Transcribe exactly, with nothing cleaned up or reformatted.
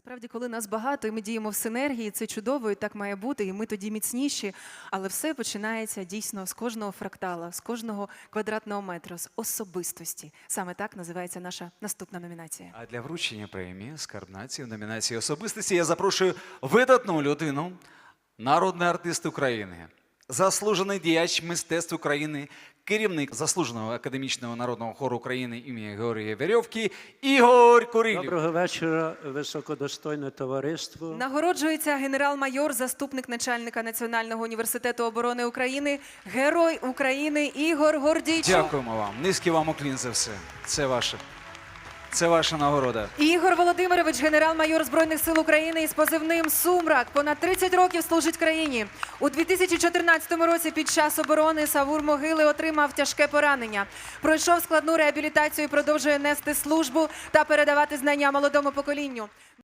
Насправді, коли нас багато і ми діємо в синергії, це чудово, і так має бути, і ми тоді міцніші. Але все починається дійсно з кожного фрактала, з кожного квадратного метра, з особистості. Саме так називається наша наступна номінація. А для вручення премії «Скарб нації» в номінації «Особистості» я запрошую видатну людину, народний артист України, заслужений діяч мистецтв України, керівник заслуженого академічного народного хору України імені Георгія Верьовки Ігор Курилів. Доброго вечора, високодостойне товариство. Нагороджується генерал-майор, заступник начальника Національного університету оборони України, Герой України Ігор Гордійчук. Дякуємо вам. Низький вам уклін за все. Це ваше. Це ваша нагорода. Ігор Володимирович, генерал-майор Збройних сил України із позивним «Сумрак». Понад тридцять років служить країні. У дві тисячі чотирнадцятому році під час оборони Савур-Могили отримав тяжке поранення. Пройшов складну реабілітацію і продовжує нести службу та передавати знання молодому поколінню.